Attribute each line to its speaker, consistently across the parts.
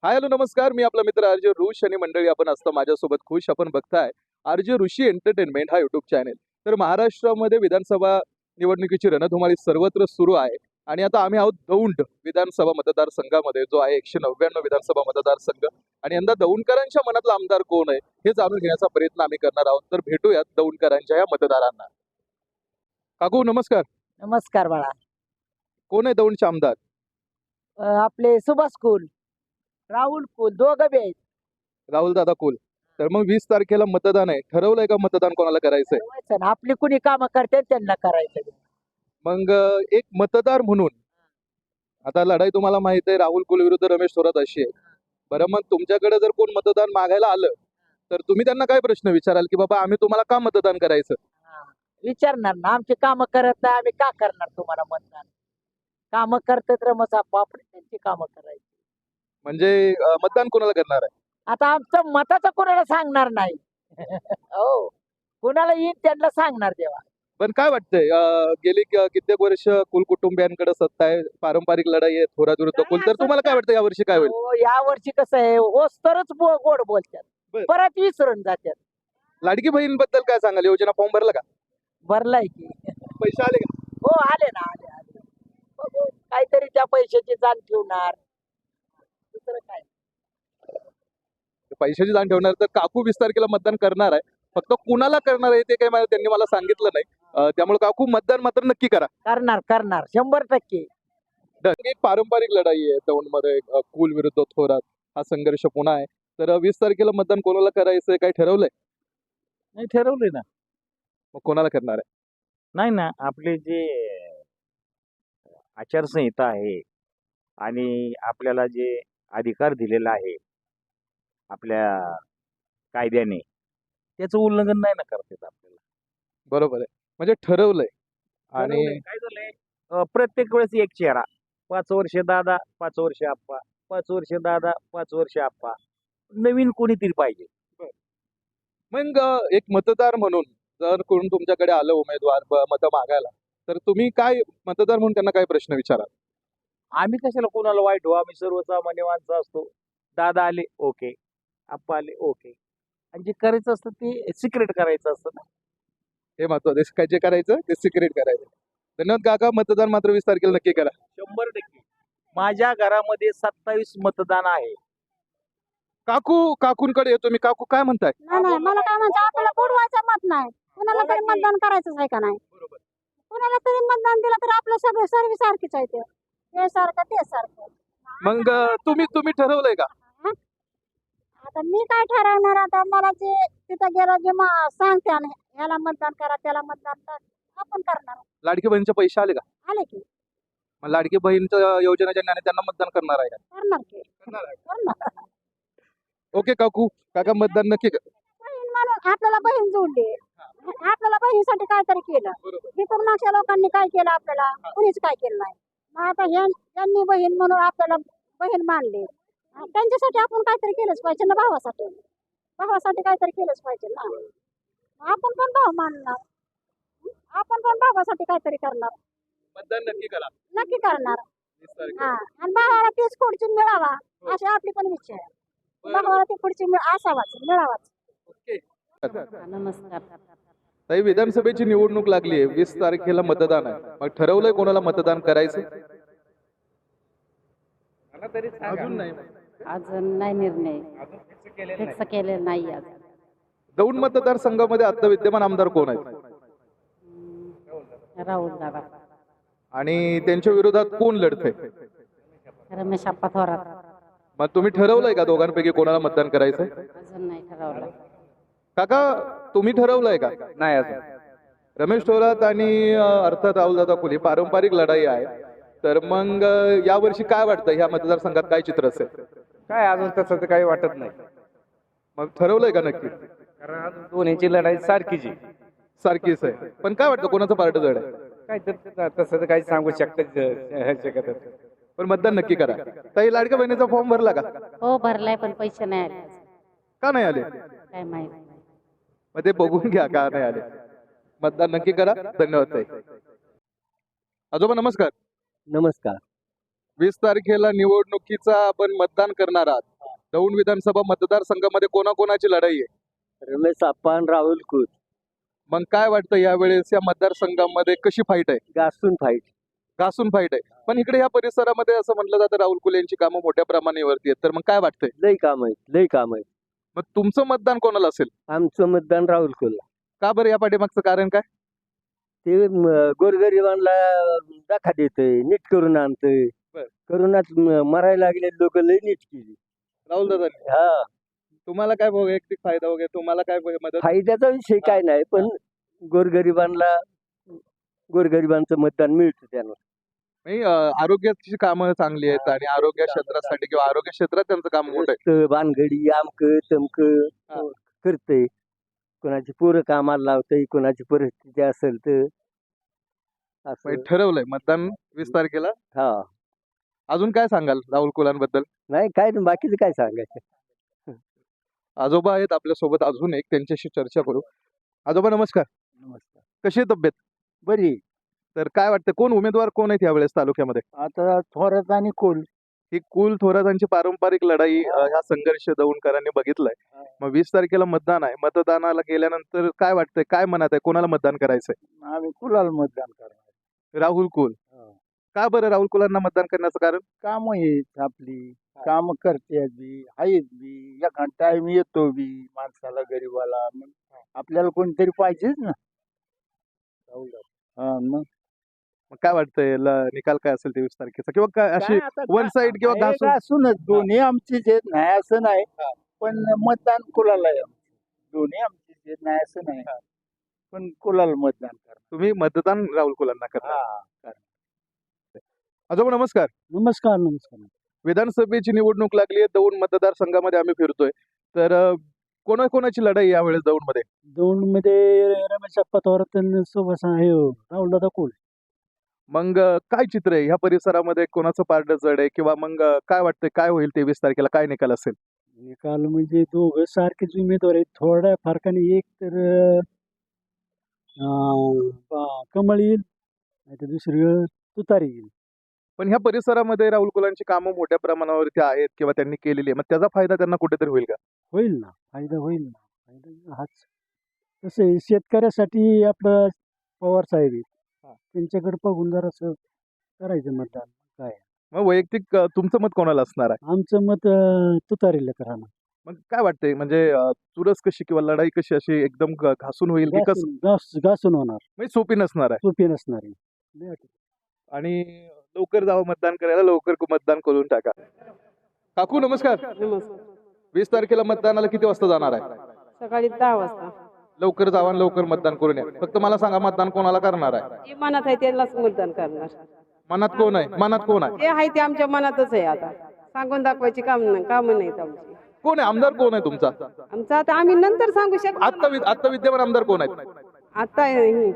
Speaker 1: Hi hello नमस्कार. मी आपला मित्र आरजे ऋष आणि मंडळी आपण असतं माझ्यासोबत खुश. आपण बघताय आरजे ऋषी एंटरटेनमेंट हा युट्यूब चॅनेल. तर महाराष्ट्रामध्ये विधानसभा निवडणुकीची रणधुमाळी सर्वत्र सुरू आहे आणि आता आम्ही आहोत दौंड विधानसभा मतदारसंघामध्ये, जो आहे 199 विधानसभा मतदारसंघ. आणि यंदा दौंडकरांच्या मनातला आमदार कोण आहे हे जाणून घेण्याचा प्रयत्न आम्ही करणार आहोत. तर भेटूयात दौंडकरांच्या या मतदारांना. काकू नमस्कार.
Speaker 2: नमस्कार बाळा.
Speaker 1: कोण आहे दौंडचे आमदार?
Speaker 2: आपले सुभाष कुल, राहुल कुल दोघं बी आहेत.
Speaker 1: राहुल दादा कोल. तर मग 20 तारखेला मतदान आहे, ठरवलंय का मतदान कोणाला करायचंय?
Speaker 2: ठरवायचं ना, आपली कुणी कामं करते त्यांना करायचं.
Speaker 1: मग एक मतदार म्हणून आता लढाई तुम्हाला माहित आहे, राहुल कुल विरुद्ध रमेश थोरात अशी आहे. बरं, मग तुमच्याकडे जर कोण मतदान मागायला आलं तर तुम्ही त्यांना काय प्रश्न विचाराल की बाबा आम्ही तुम्हाला का मतदान करायचं?
Speaker 2: विचारणार ना, आमची कामं करत नाही आम्ही का करणार तुम्हाला मतदान? कामं करतात रमस आपण त्यांची कामं करायची.
Speaker 1: म्हणजे मतदान कोणाला करणार आहे?
Speaker 2: आता आमचं मताचं कोणाला सांगणार नाही. हो, कोणाला येईल त्यांना सांगणार तेव्हा.
Speaker 1: पण काय वाटतंय, गेली कित्येक वर्ष कुल कुटुंबियांकडे सत्ता आहे, पारंपरिक लढाई आहे थोरात विरुद्ध कुल. तर तुम्हाला काय वाटतं यावर्षी काय होईल?
Speaker 2: या वर्षी कसं आहे, होस तरच गोड बोलतात,
Speaker 1: बरं.
Speaker 2: परत विसरून जातात.
Speaker 1: लाडकी बहीण बद्दल काय सांगाल? योजना फॉर्म भरला का?
Speaker 2: भरलाय की.
Speaker 1: पैसे आले का?
Speaker 2: हो आले ना, आले आले. बघू, काहीतरी त्या पैशाची जाण ठेवणार, दुसरं काय.
Speaker 1: पैशाची जाण ठेवणार. तर काकू 20 तारखेला मतदान करणार आहे, फक्त कुणाला करणार आहे ते काही त्यांनी मला सांगितलं नाही. त्यामुळे काकू मतदान मात्र नक्की करा.
Speaker 2: करणार करणार 100%.
Speaker 1: एक पारंपरिक लढाई आहे दौंडमध्ये, कुल विरुद्ध थोरात हा संघर्ष पुन्हा आहे. तर 20 तारखेला मतदान कोणाला करायचंय काय ठरवलंय?
Speaker 3: नाही ठरवले ना.
Speaker 1: मग कोणाला करणार आहे?
Speaker 3: नाही ना, आपले जे आचारसंहिता आहे आणि आपल्याला जे अधिकार दिलेला आहे आपल्या कायद्याने, त्याचं उल्लंघन नाही ना करता येत आपल्याला.
Speaker 1: बरोबर आहे, म्हणजे ठरवलंय. आणि
Speaker 3: ठरवलंय. काय झालंय, प्रत्येक वेळेस एक चेहरा, 5 वर्ष दादा 5 वर्ष आप्पा, 5 वर्ष दादा 5 वर्ष आप्पा, नवीन कोणीतरी पाहिजे.
Speaker 1: मग एक मतदार म्हणून जर कोण तुमच्याकडे आलं उमेदवार मतं मागायला, तर तुम्ही काय मतदार म्हणून त्यांना काय प्रश्न विचाराल?
Speaker 3: आम्ही कशाला कोणाला वाईट हो, आम्ही सर्वसामान्य माणसं असतो. दादा आले ओके, आप्पा आले ओके, आणि जे करायचं असतं ते सिक्रेट करायचं असतं ना.
Speaker 1: हे महत्वाचं, काय जे करायचं ते सिक्रेट करायचं. धन्यवाद काका. मतदान मात्र 20 तारखेला नक्की करा.
Speaker 3: 100%. माझ्या घरामध्ये 27 मतदान आहे.
Speaker 1: काकूंकडे येतो मी. काकू काय म्हणताय?
Speaker 4: नाही मला काय म्हणतो, आपल्याला बुडवायचं मत नाही, कुणाला तरी मतदान करायचंच आहे का नाही?
Speaker 1: बरोबर.
Speaker 4: कुणाला तरी मतदान दिलं तर आपलं सगळं सर्व सारखीच आहे, ते सारखं ते सारखं.
Speaker 1: मग तुम्ही ठरवलंय का?
Speaker 4: आता मी काय ठरवणार? आता मला जे तिथं गेलं जे सांगते आणि ह्याला मतदान करा त्याला मतदान करा, आपण करणार.
Speaker 1: लाडकी बहिणीचे पैसे आले का?
Speaker 4: आले की
Speaker 1: मग लाडकी बहीणच्या योजनेच्या ज्ञाने त्यांना मतदान करणार आहे का?
Speaker 4: करणार की
Speaker 1: करणार आहे.
Speaker 4: करणार.
Speaker 1: ओके काका मतदान नक्की कर.
Speaker 4: बहीण म्हणून आपल्याला बहीण जोडली, आपल्याला बहिणीसाठी काहीतरी केलं. इतर मागच्या लोकांनी काय केलं आपल्याला? कुणीच काय केलं नाही. मग आता यांनी बहीण म्हणून आपल्याला बहीण मानली, त्यांच्यासाठी आपण काहीतरी केलंच पाहिजे ना. भावासाठी काहीतरी केलंच पाहिजे ना. आपण पण भाव मानणार, आपण पण भावासाठी काहीतरी करणार.
Speaker 1: मतदान नक्की करा.
Speaker 4: नक्की करणार.
Speaker 1: 20 तारखेला.
Speaker 4: आणि भावाला तीच खुर्ची मिळावा अशी आपली पण इच्छा आहे. भावाला ती खुर्ची असावाच, मिळावाच.
Speaker 1: ओके.
Speaker 4: नमस्कार.
Speaker 1: ताई, विधानसभेची निवडणूक लागली आहे, 20 तारखेला मतदान आहे. मग ठरवलंय कोणाला मतदान करायचं? अजून नाही.
Speaker 4: अजून नाही निर्णय फिक्स केलेला नाही. आज
Speaker 1: दौंड मतदारसंघामध्ये आता विद्यमान आमदार कोण आहेत?
Speaker 4: राहुल दादा,
Speaker 1: आणि त्यांच्या विरोधात कोण लढतंय?
Speaker 4: रमेश आप्पा थोरात.
Speaker 1: मग तुम्ही ठरवलंय का दोघांपैकी कोणाला मतदान करायचंय?
Speaker 4: अजून नाही ठरवलं.
Speaker 1: काका तुम्ही ठरवलंय का?
Speaker 3: नाही अजून.
Speaker 1: रमेश थोरात आणि अर्थात राहुलदादा कोल्हे, पारंपरिक लढाई आहे. तर मग यावर्षी काय वाटतं, ह्या मतदारसंघात काय चित्र असेल?
Speaker 3: काय अजून तसं तर काही वाटत नाही,
Speaker 1: मग ठरवलंय का नक्की?
Speaker 3: कारण अजून दोन्हीची लढाई सारखीच आहे.
Speaker 1: सारखीच आहे, पण काय वाटतं कोणाचं पार्ट जड आहे?
Speaker 3: काय तर तसं तर काही सांगू शकत.
Speaker 1: पण मतदान नक्की करा. ताई, लाडक्या बहिणीचा फॉर्म भरला का?
Speaker 4: हो भरलाय, पण पैसे नाही आले.
Speaker 1: का नाही आले?
Speaker 4: काय माहित नाही.
Speaker 1: मग ते बघून घ्या का नाही आले. मतदान नक्की करा. धन्यवाद ताई. आजोबा नमस्कार.
Speaker 2: नमस्कार.
Speaker 1: 20 तारखेला निवडणुकीचा आपण मतदान करणार आहात दौंड विधानसभा मतदारसंघामध्ये कोणाकोणाची लढाई आहे?
Speaker 5: रमेश आप्पा आणि राहुल कुल
Speaker 1: मग काय वाटतं यावेळेस या मतदारसंघामध्ये कशी फाईट आहे?
Speaker 5: घासून फाईट.
Speaker 1: घासून फाईट आहे. पण इकडे या परिसरामध्ये असं म्हटलं जातं राहुल कुल यांची कामं मोठ्या प्रमाणावरती आहेत, तर मग काय वाटतंय?
Speaker 5: लई काम आहेत, लई काम आहेत.
Speaker 1: मग तुमचं मतदान कोणाला असेल?
Speaker 5: आमचं मतदान राहुल कुल.
Speaker 1: का बरं? या पाठीमागचं कारण काय?
Speaker 5: ते गोरगरिबांना दाखा देतय, नीट करून आणतंय.
Speaker 1: बर.
Speaker 5: करोनात मरायला लागले लोक लई नीट केली.
Speaker 1: राहुल दादा,
Speaker 5: हा,
Speaker 1: तुम्हाला काय वैयक्तिक फायदा वगैरे, तुम्हाला काय मदत?
Speaker 5: फायद्याचा विषय काय नाही, पण गोरगरिबांना गोरगरिबांचं मतदान मिळतं त्यानं.
Speaker 1: नाही, आरोग्याची कामं चांगली आहेत आणि आरोग्य क्षेत्रासाठी किंवा आरोग्य क्षेत्रात त्यांचं काम मोठं आहे.
Speaker 5: रस्तं, भानगडी, आमक तमक
Speaker 1: हा.
Speaker 5: करतय. कोणाची पोरं कामाला लावतय, कोणाची परिस्थिती असेल तर असं.
Speaker 1: म्हणजे ठरवलंय मतदान 20 तारखेला.
Speaker 5: हा,
Speaker 1: अजून काय सांगाल राहुल कुलांबद्दल?
Speaker 5: नाही काय नाही, बाकीचं काय सांगायचं.
Speaker 1: आजोबा आहेत आपल्या सोबत, अजून एक त्यांच्याशी चर्चा करू. आजोबा नमस्कार.
Speaker 5: नमस्कार.
Speaker 1: कशी आहे तब्येत?
Speaker 5: बरी.
Speaker 1: तर काय वाटतं कोण उमेदवार कोण आहेत यावेळेस तालुक्यामध्ये?
Speaker 5: आता थोरात आणि कोल.
Speaker 1: ही कुल थोरातांची पारंपरिक लढाई, हा संघर्ष दौंडकरांनी बघितलाय. मग 20 तारखेला मतदान आहे. मतदानाला गेल्यानंतर काय वाटतंय, काय मनात आहे, कोणाला मतदान करायचंय?
Speaker 5: आम्ही कुलाला मतदान करणार.
Speaker 1: राहुल कुल. का बरं राहुल कुलांना मतदान करण्याचं कारण?
Speaker 5: काम आहेत आपली, काम करते बी, आहेत बी, एखाद टाइम येतो बी माणसाला, गरीबाला. मग आपल्याला कोणतरी पाहिजेच ना. हा, मग
Speaker 1: मग काय वाटतंय निकाल काय असेल 23 तारखेचा, किंवा काय अशी वन साइड किंवा घासून?
Speaker 5: घासूनच दोन्ही आमचीच आहेत, नाही असं नाही. पण मतदान कुलाला आहे आमचं. दोन्ही आमचीच आहेत, नाही असं नाही. पण कुलाला मतदान करणार.
Speaker 1: तुम्ही मतदान राहुल कुलांना करणार?
Speaker 5: हा.
Speaker 1: आजोबा नमस्कार.
Speaker 5: नमस्कार. नमस्कार.
Speaker 1: विधानसभेची निवडणूक लागली आहे. दौंड मतदारसंघामध्ये आम्ही फिरतोय, तर कोणाकोणाची लढाई यावेळेस दौंडमध्ये?
Speaker 5: दौंडमध्ये रमेश आप्पा थोरात सोबत आहे राहुल दादा कुल.
Speaker 1: मग काय चित्र आहे ह्या परिसरामध्ये, कोणाचं पारडं जड आहे, किंवा मग काय वाटतंय काय होईल 23 तारखेला, काय निकाल असेल?
Speaker 5: निकाल म्हणजे दोघं सारखेच उमेदवार आहेत, थोड्या फरकाने. एक तर कमळ येईल, नाही तर दुसरी तुतारी येईल.
Speaker 1: पण ह्या परिसरामध्ये राहुल कुलांची कामं मोठ्या प्रमाणावरती आहेत किंवा त्यांनी केलेली आहे, मग त्याचा फायदा त्यांना कुठेतरी होईल का?
Speaker 5: होईल ना, फायदा होईल ना. फायदा हाच. तसं आहे, शेतकऱ्यासाठी आपलं पवार साहेब आहेत, त्यांच्याकडे बघून जरासं करायचं मतदान. काय
Speaker 1: मग वैयक्तिक तुमचं मत कोणाला असणार आहे?
Speaker 5: आमचं मत तुतारीला राहणार.
Speaker 1: मग काय वाटतंय, म्हणजे चुरस कशी किंवा लढाई कशी, अशी एकदम घासून होईल की कसं,
Speaker 5: घासून होणार,
Speaker 1: म्हणजे सोपी नसणार आहे?
Speaker 5: सोपी नसणार आहे.
Speaker 1: आणि लवकर जावं मतदान करायला, लवकर मतदान करून टाका. काकू नमस्कार. 20 तारखेला मतदानाला किती वाजता जाणार आहे?
Speaker 6: सकाळी 10 वाजता.
Speaker 1: लवकर जावा आणि लवकर मतदान करून या. फक्त मला सांगा, मतदान कोणाला करणार आहे?
Speaker 6: जे मनात आहे त्यालाच मतदान करणार.
Speaker 1: मनात कोण आहे? मनात कोण आहे?
Speaker 6: जे आहे ते आमच्या मनातच आहे. आता सांगून दाखवायची काम नाहीत आमची.
Speaker 1: कोण आहे आमदार? कोण आहे तुमचा
Speaker 6: आमचं आता आम्ही नंतर सांगू शकतो.
Speaker 1: आता विद्यमान आमदार कोण आहेत?
Speaker 6: आता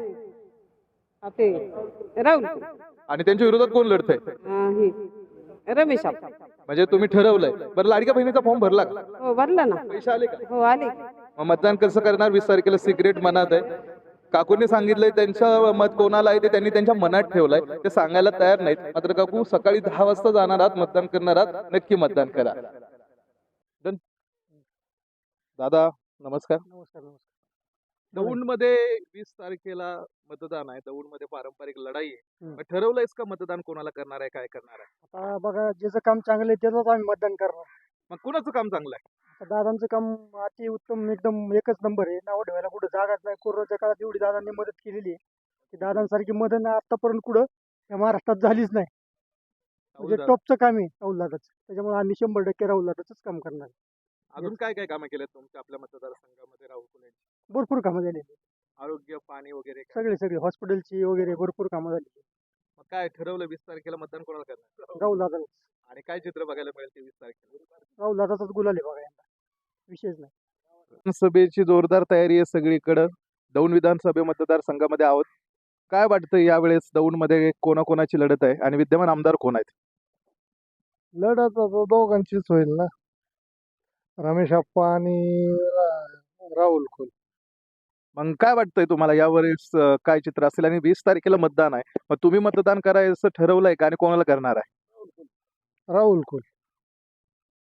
Speaker 6: आपले राहुल
Speaker 1: आणि त्यांच्या विरोधात कोण लढतंय?
Speaker 6: रमेश आप्पा.
Speaker 1: म्हणजे तुम्ही ठरवलंय. बरं, लाडक्या बहिणीचा फॉर्म भरला का?
Speaker 6: हो भरला ना.
Speaker 1: पैसे आले का?
Speaker 6: हो आले.
Speaker 1: मग मतदान कसं करणार? 20 तारखेला सिक्रेट मनात आहे. काकूंनी सांगितलंय त्यांचं मत कोणाला आहे ते त्यांनी त्यांच्या मनात ठेवलंय, ते सांगायला तयार नाहीत. मात्र काकू सकाळी 10 वाजता जाणार आहात, मतदान करणार आहात, नक्की मतदान करा. डन. दादा नमस्कार.
Speaker 5: नमस्कार.
Speaker 1: दौंडमध्ये 20 तारखेला मतदान आहे. दौंडमध्ये पारंपरिक लढाई आहे. मग ठरवलंयस का मतदान कोणाला करणार आहे, काय करणार आहे?
Speaker 5: आता बघा, ज्याचं काम चांगलं आहे त्याचंच आम्ही मतदान करणार.
Speaker 1: मग कुणाचं काम चांगलं आहे?
Speaker 5: आता दादांचं काम अति उत्तम, एकदम एकच नंबर आहे. नाव ठेवायला कुठं जागाच नाही. कोरोनाच्या काळात एवढी दादांनी मदत केलेली आहे की दादांसारखी मदत आतापर्यंत कुठं या महाराष्ट्रात झालीच नाही. म्हणजे टॉपचं काम आहे राहुल दादाचं. त्याच्यामुळे आम्ही 100% राहुल दादाचंच काम करणार.
Speaker 1: अजून काय काय कामं केलेत तुमच्या आपल्या मतदारसंघामध्ये राहुल कुल यांची?
Speaker 5: भरपूर कामं झालेली,
Speaker 1: आरोग्य, पाणी वगैरे काय?
Speaker 5: सगळे हॉस्पिटलची वगैरे भरपूर कामं झाली.
Speaker 1: मग काय ठरवलं 20 तारखेला मतदान कोणाला करणार?
Speaker 5: राहुल दादा.
Speaker 1: आणि काय चित्र बघायला मिळेल 23 तारखेला?
Speaker 5: राहुल दादाचाच गुलाल आहे बघा, यंदा विशेष नाही.
Speaker 1: विधानसभेची जोरदार तयारी आहे सगळीकडं. दौंड विधानसभा मतदारसंघामध्ये आहोत. काय वाटतं यावेळेस दौंडमध्ये कोणाकोणाची लढत आहे आणि विद्यमान आमदार कोण आहेत?
Speaker 5: लढत दोघांचीच होईल ना, रमेश आप्पा आणि राहुल कुल.
Speaker 1: मग काय वाटतंय तुम्हाला यावेळेस काय चित्र असेल? आणि 20 तारखेला मतदान आहे, मग तुम्ही मतदान करायचं ठरवलंय का आणि कोणाला करणार आहे?
Speaker 5: राहुल कुल.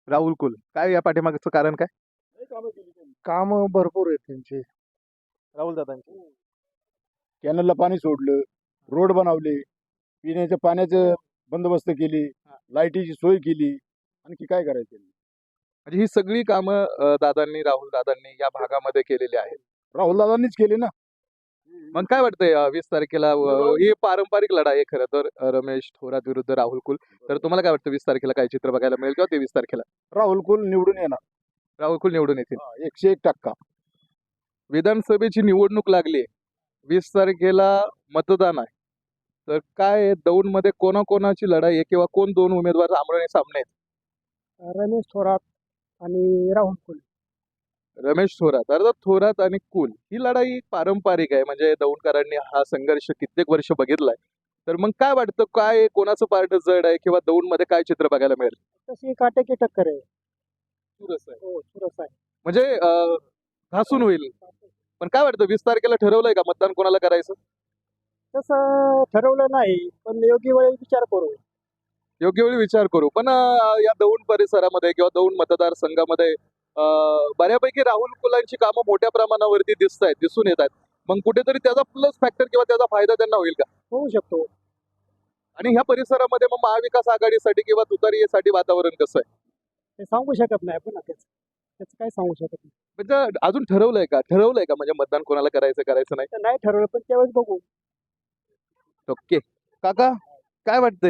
Speaker 1: राहुल कुल, काय या पाठीमागचं कारण काय?
Speaker 5: काम भरपूर आहेत त्यांचे.
Speaker 1: राहुल दादांचे.
Speaker 7: कॅनलला पाणी सोडलं, रोड बनवले, पिण्याच्या पाण्याचं बंदोबस्त केली, लाईटीची सोय केली. आणखी काय करायचं?
Speaker 1: म्हणजे ही सगळी कामं दादांनी, राहुल दादांनी या भागामध्ये केलेली आहेत.
Speaker 7: राहुल दादांनीच केली ना.
Speaker 1: मग काय वाटतंय 20 तारखेला ही पारंपरिक लढाई आहे खरं तर रमेश थोरात विरुद्ध राहुल कुल. तर तुम्हाला काय वाटतं 20 तारखेला काय चित्र बघायला मिळेल किंवा 23 तारखेला
Speaker 7: राहुल कुल निवडून येणार.
Speaker 1: राहुल कुल निवडून येतील?
Speaker 7: 101%.
Speaker 1: विधानसभेची निवडणूक लागली, 20 तारखेला मतदान आहे. तर काय दौंडमध्ये कोणाकोणाची लढाई आहे किंवा कोण दोन उमेदवार आमने सामने आहेत?
Speaker 5: रमेश थोरात आणि राहुल कुल.
Speaker 1: रमेश थोरात, अर्थात थोरात आणि कुल ही लढाई पारंपरिक आहे. म्हणजे दौंडकरांनी हा संघर्ष कित्येक वर्ष बघितलाय. तर मग काय वाटतं, काय कोणाचं पार्ट जड आहे किंवा दौंडमध्ये काय चित्र बघायला मिळेल?
Speaker 5: तशी काटेकी टक्कर आहे.
Speaker 1: चुरस आहे.
Speaker 5: हो, चुरस आहे.
Speaker 1: म्हणजे घासून होईल. पण काय वाटतं 20 तारखेला ठरवलंय का मतदान कोणाला करायचं?
Speaker 5: तसं ठरवलं नाही, पण योग्य वेळी विचार करू.
Speaker 1: योग्य वेळी विचार करू. पण या दौंड परिसरामध्ये किंवा दौंड मतदारसंघामध्ये बऱ्यापैकी राहुल कुलांची कामं मोठ्या प्रमाणावरती दिसून येत आहेत. मग कुठेतरी त्याचा प्लस फॅक्टर किंवा त्याचा फायदा त्यांना होईल का?
Speaker 5: होऊ शकतो.
Speaker 1: आणि ह्या परिसरामध्ये मग महाविकास आघाडीसाठी किंवा तुतारीसाठी वातावरण कसं आहे?
Speaker 5: ते सांगू शकत नाही आपण त्याचं काय सांगू शकत नाही.
Speaker 1: म्हणजे अजून ठरवलंय का म्हणजे मतदान कोणाला करायचं नाही?
Speaker 5: तर नाही ठरवलं, पण त्यावेळेस बघू.
Speaker 1: ओके. काका काय वाटतंय?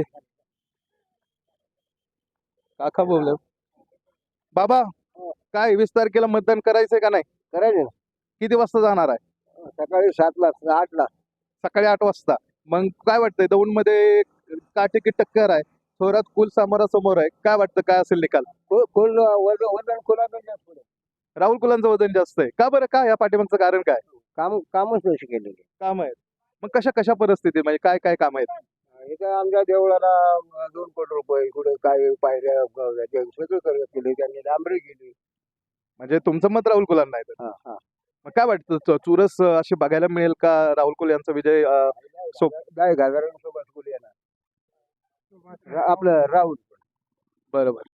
Speaker 1: काका बोलले. बाबा काय 20 तारखेला मतदान करायचंय का नाही?
Speaker 7: करायचे ना.
Speaker 1: किती वाजता जाणार आहे?
Speaker 7: सकाळी 7ला 8ला.
Speaker 1: सकाळी 8 वाजता. मग काय वाटतंय दौंडमध्ये काटेकी टक्कर आहे, थोरात कुल समोरासमोर आहे. काय वाटतं काय असेल निकाल?
Speaker 7: वजन कोणाचं जास्त आहे?
Speaker 1: राहुल कुलांचं वजन जास्त आहे. का बरं, काय या पाठीमागचं कारण काय?
Speaker 7: कामच तशी केलेली.
Speaker 1: काम आहेत. मग कशा परिस्थिती म्हणजे काय काम आहेत?
Speaker 7: इथं आमच्या देवळाला 2 कोटी रुपये, कुठे काय पायऱ्या सगळं केले त्यांनी, डांबरी केली.
Speaker 1: म्हणजे तुमचं मत राहुल कुलांना आहे.
Speaker 7: हा, हा.
Speaker 1: मग काय वाटतं चुरस अशी बघायला मिळेल का राहुल कुल यांचा विजय
Speaker 7: गाय घागरांसोबत कुल येणार. आपलं राहुल.
Speaker 1: बरोबर.